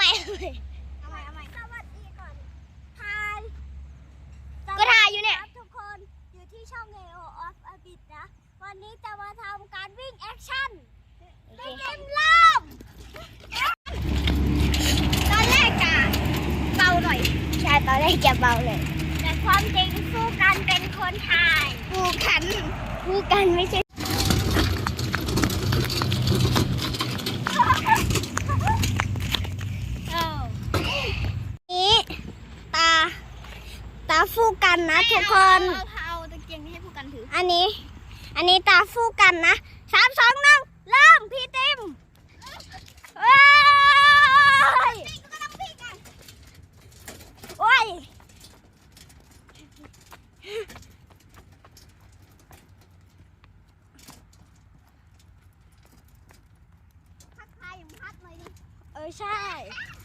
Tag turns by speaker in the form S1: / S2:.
S1: สวัสดีก่อนถ่าย
S2: ก็ถ่ายอยู่เนี่ย
S1: ทุกคนอยู่ที่ช่อง Hero of a Bit นะ วันนี้จะมาทำการวิ่งแอคชั่นได้เต็มรอบตอนแรกจะเบาหน่อยใช่ตอนแรกจะเบาเลยแต่ความจริงสู้กันเป็นคนถ่ายคู่กันไม่ใช่นี้ตาฟูกันนะทุกคน
S2: เอาตะเกียงนี้ให้ผู้กันถือ
S1: อันนี้ตาฟูกันนะ3 2 1เริ่มพี่ติมโอ้ยทักทายอย่างพัดหน่อยดิใช่